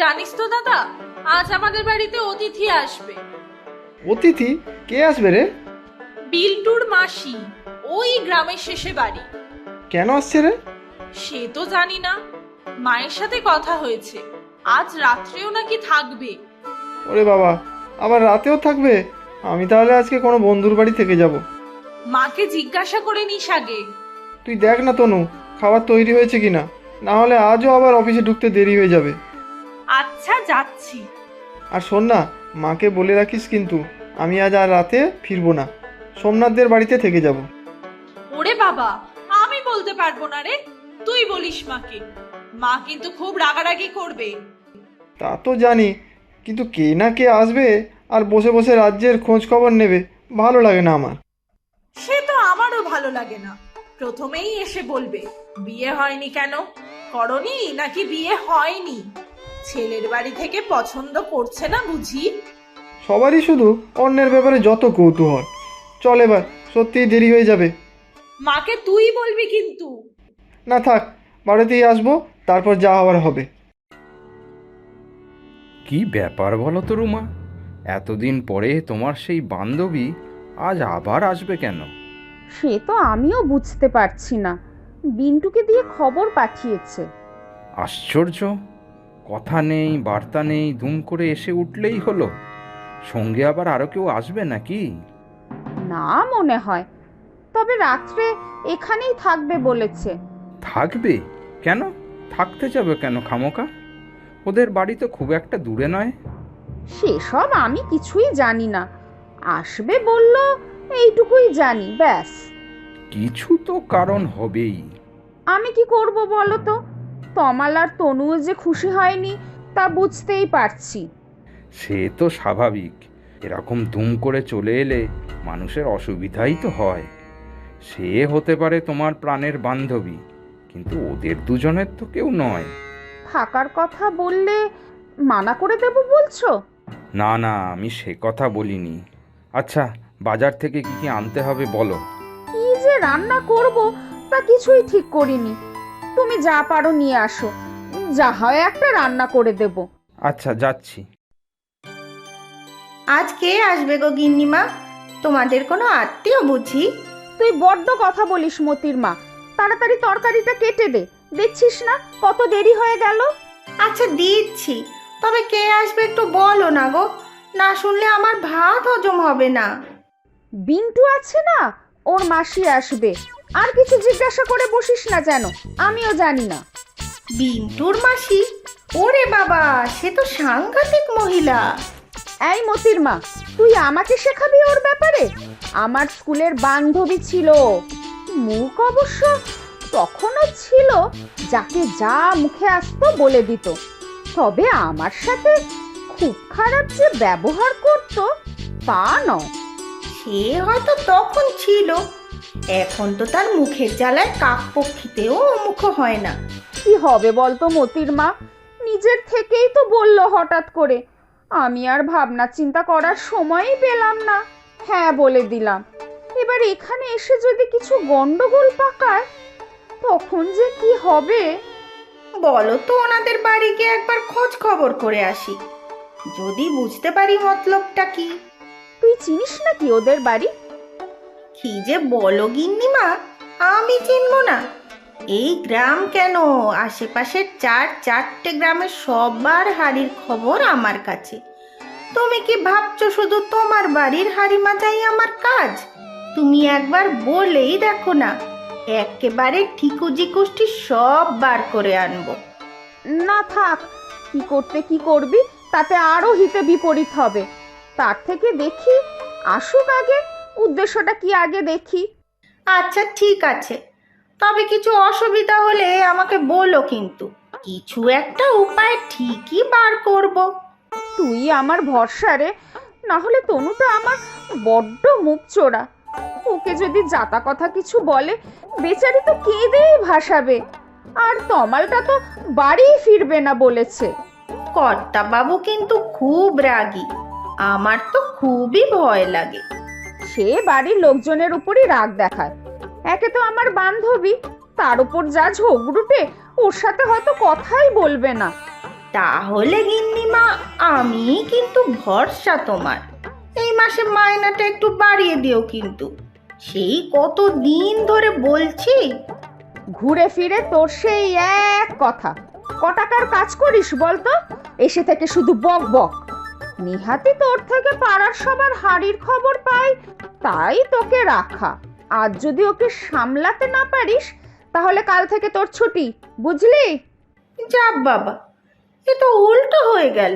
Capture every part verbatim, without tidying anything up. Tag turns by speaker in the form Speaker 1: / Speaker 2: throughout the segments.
Speaker 1: জানিস তো দাদা, আজ আমাদের বাড়িতে অতিথি আসবে।
Speaker 2: অতিথি? কে আসবে রে?
Speaker 1: বিল্টুর মাসি, ওই গ্রামের শেষে বাড়ি।
Speaker 2: কেন আসছে রে?
Speaker 1: সে তো জানি না, মায়ের সাথে কথা হয়েছে, আজ রাত্রেও নাকি থাকবে।
Speaker 2: ওরে বাবা, আবার রাতেও থাকবে? আমি তাহলে আজকে কোনো বন্ধুর বাড়ি থেকে যাব।
Speaker 1: মাকে জিজ্ঞাসা করে নিস আগে।
Speaker 2: তুই দেখ না তনু, খাবার তৈরি হয়েছে কিনা, না হলে আজও আবার অফিসে ঢুকতে দেরি হয়ে যাবে।
Speaker 1: আচ্ছা, যাচ্ছি।
Speaker 2: আর শোন না, মাকে বলে রাখিস কিন্তু আমি আজ আর রাতে ফিরবো না, সোমনাথদের বাড়িতে থেকে যাব।
Speaker 1: ওরে বাবা, আমি বলতে পারবো না রে, তুই বলিস মাকে। মা কিন্তু খুব রাগারাগি করবে।
Speaker 2: তা তো জানি, কিন্তু কে না কে আসবে আর বসে বসে রাজ্যের খোঁজ খবর নেবে, ভালো লাগে না আমার।
Speaker 1: সে তো আমারও ভালো লাগে না। প্রথমেই এসে বলবে বিয়ে হয়নি কেন, করনি নাকি বিয়ে হয়নি, ছেলের বাড়ি থেকে পছন্দ করছে না বুঝি।
Speaker 2: সবারই শুধু অন্যের ব্যাপারে যত কৌতূহল। চল এবার, সত্যিই দেরি হয়ে যাবে।
Speaker 1: মাকে তুই বলবি কিন্তু।
Speaker 2: না থাক, বাড়িতেই আসবো, তারপর যা হওয়ার হবে।
Speaker 3: কি ব্যাপার বলো তো রুমা, এতদিন পরে তোমার সেই বান্ধবী আজ আবার আসবে কেন?
Speaker 4: সে তো আমিও বুঝতে পারছি না, বিন্টুকে দিয়ে খবর পাঠিয়েছে।
Speaker 3: আশ্চর্য, কথা নেই বার্তা নেই, দুম করে এসে উঠলেই হলো। সঙ্গে আবার আরও কেউ আসবে নাকি?
Speaker 4: না মনে হয়, তবে রাত্রে এখানেই থাকবে বলেছে।
Speaker 3: থাকবে? কেন থাকতে যাবে কেন খামোকা? ওদের বাড়ি তো খুব একটা দূরে নয়।
Speaker 4: সেসব আমি কিছুই জানি না, আসবে বলল, এইটুকুই জানি, ব্যাস।
Speaker 3: কিছু তো কারণ হবেই।
Speaker 4: আমি কি করব বলো তো, তমাল আর তনুও যে খুশি হয়নি তা বুঝতেই পারছি।
Speaker 3: সে তো স্বাভাবিক, এরকম দুম করে চলে এলে মানুষের অসুবিধাই তো হয়। সে হতে পারে তোমার প্রাণের বান্ধবী, কিন্তু ওদের দুজনের তো কেউ নয়।
Speaker 4: থাকার কথা বললে মানা করে দেব বলছো?
Speaker 3: না না, আমি সে কথা বলিনি। আচ্ছা, বাজার থেকে কি কি আনতে হবে বলো।
Speaker 4: কি যে রান্না করব তা কিছুই ঠিক করিনি, তুমি যা পারো নিয়ে আসো, যা হয় একটা রান্না করে দেব।
Speaker 3: আচ্ছা, যাচ্ছি।
Speaker 5: আজ কে আসবে গো গিন্নিমা? তোমাদের কোনো আত্মীয় বুঝি?
Speaker 4: তুই বড্ড কথা বলিস মতির মা, তাড়াতাড়ি তরকারিটা কেটে দে, দেখছিস না কত দেরি হয়ে গেল।
Speaker 5: আচ্ছা দিচ্ছি, তবে কে আসবে একটু বলো না গো, না শুনলে আমার ভাত হজম হবে না।
Speaker 4: বিন্টু আছে না, ওর মাসি আসবে, আর কিছু জিজ্ঞাসা করে বসিস না যেন, আমিও জানি না।
Speaker 5: বিন্টুর মাসি? ওরে বাবা, সে তো সাংঘাতিক মহিলা।
Speaker 4: এই মতির মা, তুই আমাকে শেখাবি ওর ব্যাপারে? আমার স্কুলের বান্ধবী ছিল, মুখ অবশ্য তখনও ছিল যাকে যা মুখে আসতো বলে দিত, তবে আমার সাথে খুব খারাপ যে ব্যবহার করত তা নয়।
Speaker 5: সে হয়তো তখন ছিল, এখন তো তার মুখের জ্বালায় কাকপক্ষীতেও মুখ হয় না।
Speaker 4: কি হবে বলতো মতির মা, নিজের থেকেই তো বলল হঠাৎ করে, আমি আর ভাবনা চিন্তা করার সময়ই পেলাম না, হ্যাঁ বলে দিলাম। এবার এখানে এসে যদি কিছু গন্ডগোল পাকায় তখন যে কি হবে।
Speaker 5: বলো তো ওনাদের বাড়ি গিয়ে একবার খোঁজ খবর করে আসি, যদি বুঝতে পারি মতলবটা কি।
Speaker 4: তুই চিনিস নাকি ওদের বাড়ি?
Speaker 5: কি যে বলো গিন্নিমা, আমি চিনব না? এই গ্রাম কেন, আশেপাশের চার চারটে গ্রামের সবার হাড়ির খবর আমার কাছে। তুমি কি ভাবছো শুধু তোমার বাড়ির হাড়ি মাজাই আমার কাজ? তুমি একবার বলেই দেখো না, একেবারে ঠিকুজি কুষ্টি সব বার করে আনবো।
Speaker 4: না থাক, কি করতে কি করবি, তাতে আরো হিতে বিপরীত হবে। তার থেকে দেখি আসুক আগে, উদ্দেশ্যটা কি আগে দেখি।
Speaker 5: আচ্ছা ঠিক আছে, তবে কিছু অসুবিধা হলে আমাকে বলো কিন্তু, কিছু একটা উপায় ঠিকই বার করব।
Speaker 4: তুই আমার ভরসা রে, না হলে তনুটা আমার বড্ড মুখ চোরা, ওকে যদি জাতা কথা কিছু বলে বেচারি তো কেঁদেই ভাসাবে, আর তমালটা তো বাড়ি ফিরবে না বলেছে।
Speaker 5: কর্তা বাবু কিন্তু খুব রাগী, আমার তো খুবই ভয় লাগে।
Speaker 4: সে বাড়ির লোকজনের উপরই রাগ দেখায়, একে তো আমার বান্ধবী, তার উপর যা ঝগড়ুটে, ওর সাথে হয়তো কথাই বলবে না।
Speaker 5: তাহলে গিন্নিমা আমি কিন্তু ভরসা তোমার। এই মাসে মাইনাটা একটু বাড়িয়ে দিও কিন্তু, সেই কত দিন ধরে বলছি।
Speaker 4: ঘুরে ফিরে তোর সেই এক কথা। ক টাকার কাজ করিস বলতো? এসে থেকে শুধু বক বক। নিহাতি তোর থেকে পাড়ার সবার হাড়ির খবর পাই, তাই তোকে রাখা। আজ যদি ওকে সামলাতে না পারিস তাহলে কাল থেকে তোর ছুটি, বুঝলি?
Speaker 5: যা বাবা, এ তো উল্টো হয়ে গেল।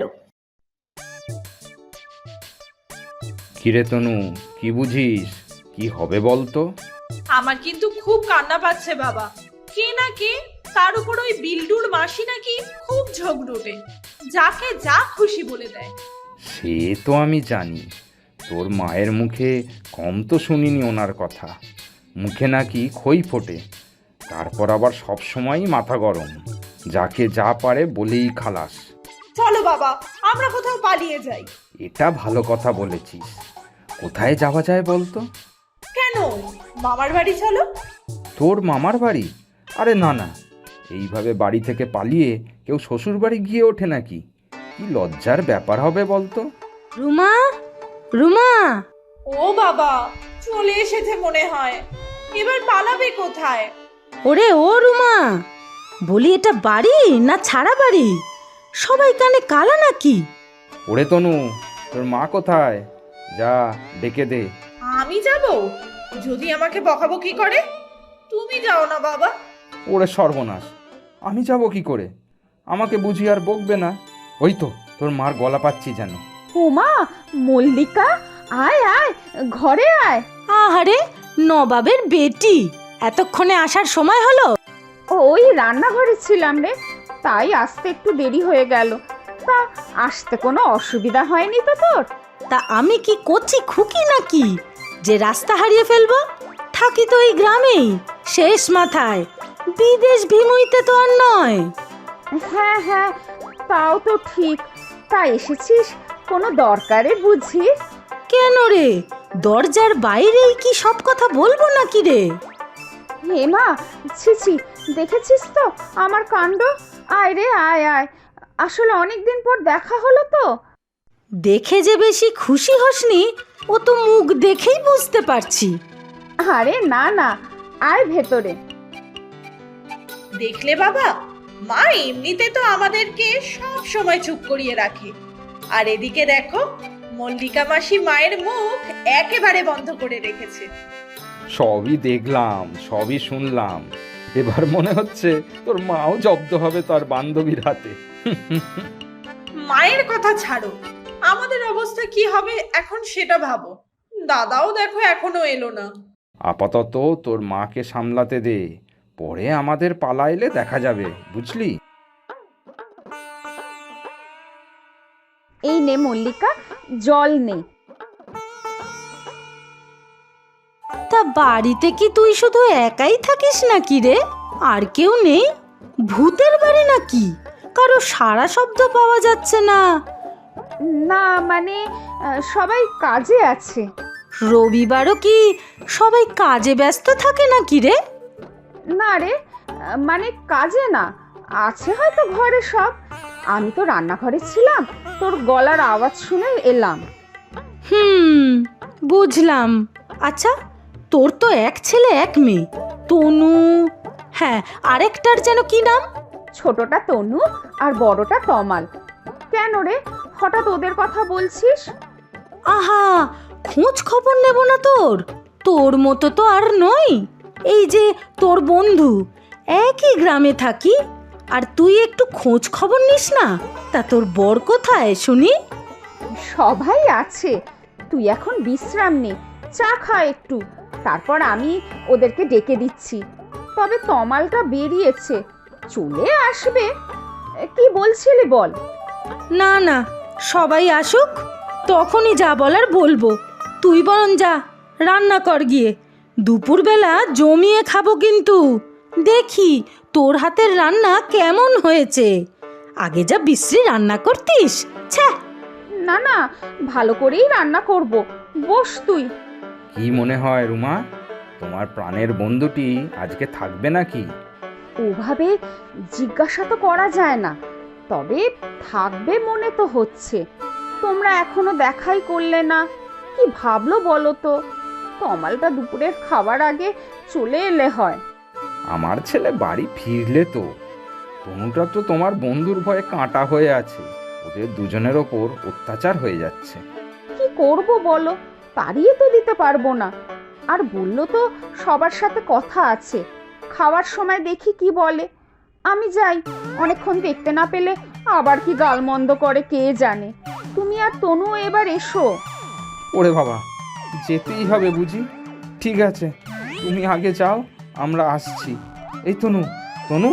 Speaker 3: কিরে তনু, কি বুঝিস? কি হবে বলতো?
Speaker 1: আমার কিন্তু খুব কান্না পাচ্ছে বাবা। কে না কে, তার উপর ওই বিল্ডুর মাসি নাকি খুব ঝগড়ুটে, যাকে যা খুশি বলে দেয়।
Speaker 3: সে তো আমি জানি, তোর মায়ের মুখে কম তো শুনিনি ওনার কথা। মুখে নাকি খই ফোটে, তারপর আবার সব সময়ই মাথা গরম, যাকে যা পারে বলেই খালাস।
Speaker 1: চলো বাবা, আমরা কোথাও পালিয়ে যাই।
Speaker 3: এটা ভালো কথা বলেছিস। কোথায় যাওয়া যায় বলতো?
Speaker 1: কেন, মামার বাড়ি চলো।
Speaker 3: তোর মামার বাড়ি? আরে না না, এইভাবে বাড়ি থেকে পালিয়ে কেউ শ্বশুর বাড়ি গিয়ে ওঠে নাকি? কি লজ্জার ব্যাপার হবে বলতো।
Speaker 6: রুমা, রুমা,
Speaker 1: ও বাবা, চলে এসেছে মনে হয়। এবার পালাবে কোথায়?
Speaker 6: ওরে ও রুমা, বলি এটা বাড়ি না ছাড়া বাড়ি? সবাই কানে কালা নাকি?
Speaker 3: ওরে তনু, তোর মা কোথায়? যা ডেকে দে।
Speaker 1: আমি যাব? যদি আমাকে বকাবকি করে? তুমি যাও না বাবা।
Speaker 3: ওরে সর্বনাশ, আমি যাব কি করে? আমাকে বুঝি আর বকবে না? ওই তো তোর মার গলা পাচ্ছি যেন।
Speaker 4: ওমা, মল্লিকা, আয় আয়, ঘরে আয়।
Speaker 6: আহারে, নবাবের বেটি, এতক্ষণে আসার সময় হলো?
Speaker 4: ওই রান্নাঘরে ছিলাম রে, তাই আসতে একটু দেরি হয়ে গেল। তা আসতে কোনো অসুবিধা হয়নি তো তোর?
Speaker 6: তা আমি কি করছি খুকি নাকি যে রাস্তা হারিয়ে ফেলবো? থাকি তো এই গ্রামেই, শেষ মাথায়, বিদেশ ভিমুইতে তো আর নয়।
Speaker 4: হ্যাঁ হ্যাঁ, তাও তো ঠিক। তা এসেছিস কোনো দরকারে বুঝি?
Speaker 6: কেন রে, দরজার বাইরেই কি সব কথা বলবো নাকি রে?
Speaker 4: হেমা, ছিছি, দেখেছিস তো আমার কাণ্ড? আয় রে আয় আয়, আসলে অনেকদিন পর দেখা হলো তো।
Speaker 6: দেখে যে বেশি খুশি হসনি, ও তো মুখ দেখেই বুঝতে পারছি।
Speaker 4: আরে না না, আয় ভেতরে।
Speaker 1: দেখলে বাবা, মা এমনিতে তো আমাদেরকে সব সময় চুপ করিয়ে রাখে, আর এদিকে দেখো, মল্লিকা মাসি মায়ের মুখ একেবারে বন্ধ করে রেখেছে।
Speaker 3: সবই দেখলাম, সবই শুনলাম। এবার মনে হচ্ছে তোর মাও জব্দ হবে তার বান্ধবীর হাতে।
Speaker 1: মায়ের কথা ছাড়ো, আমাদের অবস্থা কি হবে এখন সেটা ভাবো। দাদাও দেখো এখনো এলো না।
Speaker 3: আপাতত তোর মাকে সামলাতে দে, পরে আমাদের পালা এলে দেখা যাবে, বুঝলি?
Speaker 4: এই নে মল্লিকা, জল নে।
Speaker 6: তা বাড়িতে কি তুই শুধু একাই থাকিস নাকি রে? আর কেউ নেই? ভূতের বাড়ি নাকি? কারো সারা শব্দ পাওয়া যাচ্ছে না।
Speaker 4: না মানে আহ, সবাই কাজে আছে।
Speaker 6: রবিবারও কি সবাই কাজে ব্যস্ত থাকে নাকি রে?
Speaker 4: না রে, আহ, মানে কাজে না, আছে হয়তো ঘরে সব। আমি তো রান্নাঘরে ছিলাম, তোর গলার আওয়াজ শুনে এলাম।
Speaker 6: হুম, বুঝলাম। আচ্ছা, তোর তো এক ছেলে এক মেয়ে, তনু, হ্যাঁ, আরেকটার যেন কি নাম?
Speaker 4: ছোটটা তনু আর বড়টা তমাল। কেন রে, হঠাৎ ওদের কথা বলছিস?
Speaker 6: আহা, খোঁজ খবর নেব না তোর? তোর মতো তো আর নই। এই যে তোর বন্ধু, একই গ্রামে থাকি, আর তুই একটু খোঁজ খবর নিস না? তা তোর বর কোথায় শুনি?
Speaker 4: সবাই আছে, তুই এখন বিশ্রাম নে, চা খা একটু, তারপর আমি ওদেরকে ডেকে দিচ্ছি। তবে তমালটা বেরিয়েছে, চলে আসবে। কি বলছিলি বল?
Speaker 6: না না, সবাই আসুক, তখনই যা বলার বলবো। তুই বরং যা, রান্না কর গিয়ে। দুপুরবেলা জমিয়ে খাবো কিন্তু। দেখি তোর হাতের রান্না কেমন হয়েছে। আগে যা বিশ্রী রান্না করতিস, ছ্যা।
Speaker 4: না না, ভালো করেই রান্না করব, বস তুই।
Speaker 3: কি মনে হয় রুমা, তোমার প্রাণের বন্ধুটি আজকে থাকবে নাকি?
Speaker 4: ওভাবে জিজ্ঞাসা তো করা যায় না, তবে থাকবে মনে তো হচ্ছে। তোমরা এখনো দেখাই করলে না, কি ভাবলো বলো তো? তমালটা দুপুরের খাবার আগে চলে এলে হয়।
Speaker 3: আমার ছেলে বাড়ি ফিরলে তো। তনুটা তো তোমার বন্ধুর ভয়ে কাঁটা হয়ে আছে, ওদের দুজনের ওপর অত্যাচার হয়ে যাচ্ছে।
Speaker 4: কি করব বলো, তাড়িয়ে তো দিতে পারবো না। আর বললো তো সবার সাথে কথা আছে, খাওয়ার সময় দেখি কি বলে। আমি যাই, অনেকক্ষণ দেখতে না পেলে আবার কি গালমন্দ করে কে জানে। তুমি আর তনু এবার এসো।
Speaker 3: ওরে বাবা, যেতেই হবে বুঝি? ঠিক আছে, তুমি আগে যাও, আমরা আসছি। এই তনু, তনু।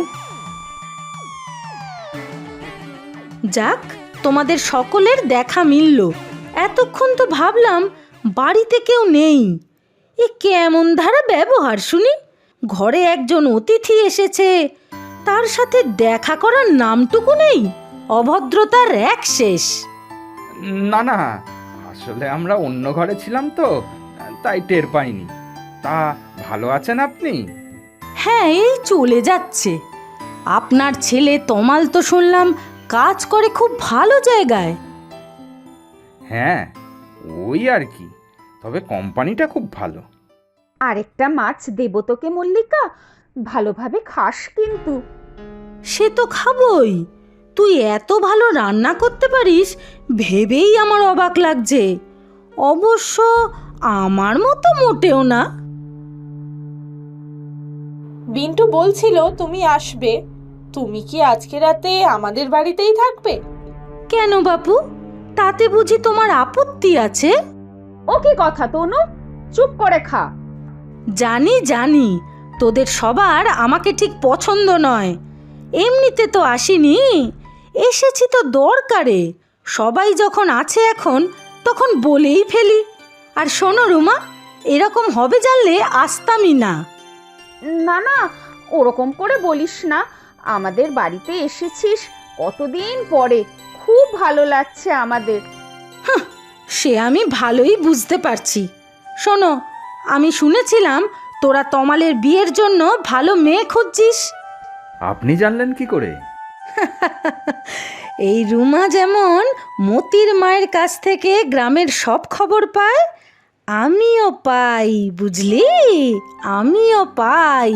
Speaker 6: যাক, তোমাদের সকলের দেখা মিলল। এতক্ষণ তো ভাবলাম বাড়িতে কেউ নেই। এ কেমন ধারা ব্যবহার শুনি! ঘরে একজন অতিথি এসেছে, তার সাথে দেখা করার নামটুকু নেই। অভদ্রতার এক শেষ।
Speaker 3: না না, আসলে আমরা অন্য ঘরে ছিলাম তো, তাই টের পাইনি। তা ভালো আছেন আপনি?
Speaker 6: হ্যাঁ, এই চলে যাচ্ছে। আপনার ছেলে তমাল তো শুনলাম কাজ করে খুব ভালো জায়গায়।
Speaker 3: হ্যাঁ, ওই আর কি, তবে কোম্পানিটা খুব ভালো।
Speaker 4: আরেকটা মাছ দেবো তোকে মল্লিকা, ভালোভাবে খাস কিন্তু।
Speaker 6: সে তো খাবই। তুই এত ভালো রান্না করতে পারিস ভেবেই আমার অবাক লাগছে। অবশ্য আমার মতো মোটেও না।
Speaker 1: বিন্টু বলছিল তুমি আসবে। তুমি কি আজকে রাতে আমাদের বাড়িতেই থাকবে?
Speaker 6: কেন বাপু, তাতে বুঝি তোমার আপত্তি আছে?
Speaker 4: ও কি কথা তনু, চুপ করে খা।
Speaker 6: জানি জানি, তোদের সবার আমাকে ঠিক পছন্দ নয়। এমনিতে তো আসিনি, এসেছি তো দরকারে। সবাই যখন আছে এখন, তখন বলেই ফেলি। আর শোনো রুমা, এরকম হবে জানলে আসতামই না।
Speaker 4: না না, ওরকম করে বলিস না। আমাদের বাড়িতে এসেছিস কতদিন পরে, খুব ভালো লাগছে আমাদের।
Speaker 6: সে আমি ভালোই বুঝতে পারছি। শোনো, আমি শুনেছিলাম তোরা তমালের বিয়ের জন্য ভালো মেয়ে খুঁজছিস।
Speaker 3: আপনি জানলেন কি করে?
Speaker 6: এই রুমা যেমন মতির মায়ের কাছ থেকে গ্রামের সব খবর পায়, আমিও পাই, বুঝলি? আমিও পাই।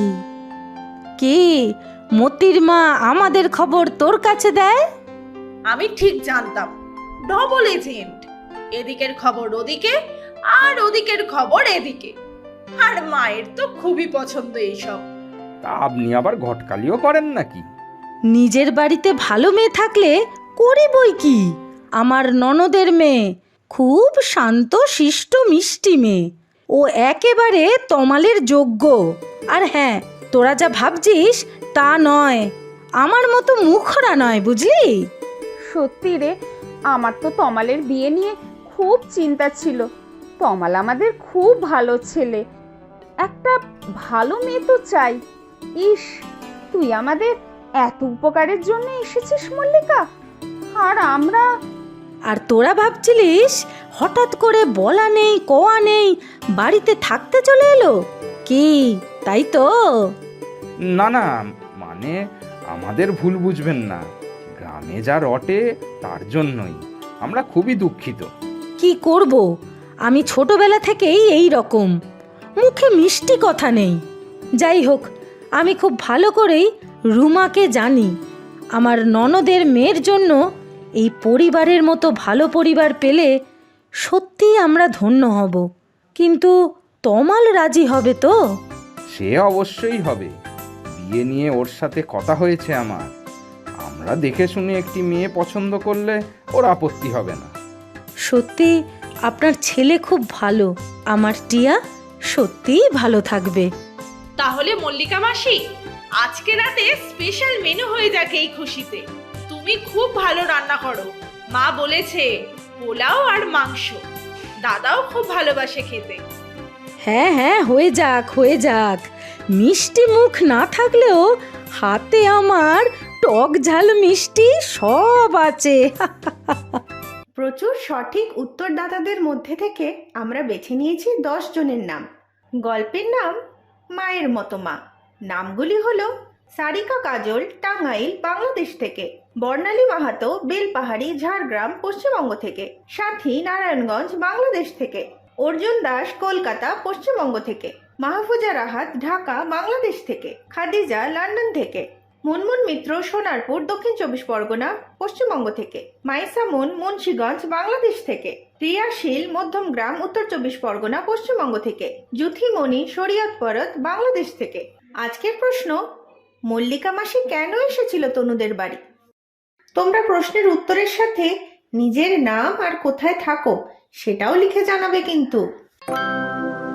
Speaker 6: কি, মতির মা আমাদের খবর তোর কাছে দেয়?
Speaker 1: আমি ঠিক জানতাম, ডবল এজেন্ট। এদিকের খবর ওদিকে, আর ওদিকের খবর এদিকে। আর মায়ের তো খুবই পছন্দ এইসব।
Speaker 3: তা আপনি আবার ঘটকালিও করেন নাকি?
Speaker 6: নিজের বাড়িতে ভালো মেয়ে থাকলে করি বই কি। আমার ননদের মেয়ে খুব শান্ত শিষ্ট মিষ্টি মেয়ে, ও একেবারে তমালের যোগ্য। আর হ্যাঁ, তোরা যা ভাবছিস তা নয়, আমার মতো মুখরা নয়, বুঝলি?
Speaker 4: সত্যি রে, আমার তো তমালের বিয়ে নিয়ে খুব চিন্তা ছিল। তমাল আমাদের খুব ভালো ছেলে, একটা ভালো মেয়ে তো চাই। ইস, তুই আমাদের এত উপকারের জন্য এসেছিস মল্লিকা, আর আমরা।
Speaker 6: আর তোরা ভাবছিলিস হঠাৎ করে বলা নেই কোয়া নেই বাড়িতে থাকতে চলে এলো কি, তাই তো?
Speaker 3: না না, মানে আমাদের ভুল বুঝবেন না। গ্রামে যা রটে তার জন্যই আমরা খুবই দুঃখিত।
Speaker 6: কি করব, আমি ছোটবেলা থেকেই এই রকম, মুখে মিষ্টি কথা নেই। যাই হোক, আমি খুব ভালো করেই রুমাকে জানি। আমার ননদের মেয়ের জন্য এই পরিবারের মতো ভালো পরিবার পেলে সত্যিই আমরা ধন্য হব। কিন্তু তমাল রাজি হবে তো?
Speaker 3: সে অবশ্যই হবে। বিয়ে নিয়ে ওর সাথে কথা হয়েছে আমার। আমরা দেখে শুনে একটি মেয়ে পছন্দ করলে ওর আপত্তি হবে না।
Speaker 6: সত্যি আপনার ছেলে খুব ভালো। আমার টিয়া সত্যিই ভালো থাকবে।
Speaker 1: তাহলে মল্লিকা মাসি, আজকে রাতে স্পেশাল মেনু হয়ে যাক এই খুশিতে। তুমি খুব ভালো রান্না করো, মা বলেছে। পোলাও আর মাংস, দাদাও খুব ভালোবাসে খেতে।
Speaker 6: হ্যাঁ হ্যাঁ, হয়ে যাক হয়ে যাক। মিষ্টি মুখ না থাকলেও হাতে আমার টক ঝাল মিষ্টি সব আছে।
Speaker 5: প্রচুর সঠিক উত্তরদাতাদের মধ্যে থেকে আমরা বেছে নিয়েছি দশ জনের নাম। গল্পের নাম মায়ের মতো মা। নামগুলি হলো সারিকা কাজল টাঙ্গাইল বাংলাদেশ থেকে, বর্ণালী মাহাতো বেলপাহাড়ি ঝাড়গ্রাম পশ্চিমবঙ্গ থেকে, সাথী নারায়ণগঞ্জ বাংলাদেশ থেকে, অর্জুন দাস কলকাতা পশ্চিমবঙ্গ থেকে, মাহফুজা রাহাত ঢাকা বাংলাদেশ থেকে, খাদিজা লন্ডন থেকে, মুনমুন মিত্র সোনারপুর দক্ষিণ চব্বিশ পরগনা পশ্চিমবঙ্গ থেকে, মাইসা মুন মুন্সিগঞ্জ বাংলাদেশ থেকে, রিয়াশীল মধ্যমগ্রাম উত্তর চব্বিশ পরগনা পশ্চিমবঙ্গ থেকে, জুথিমণি শরীয়তপরত বাংলাদেশ থেকে। আজকের প্রশ্ন, মল্লিকা মাসি কেন এসেছিল তনুদের বাড়ি? তোমরা প্রশ্নের উত্তরের সাথে নিজের নাম আর কোথায় থাকো সেটাও লিখে জানাবে কিন্তু।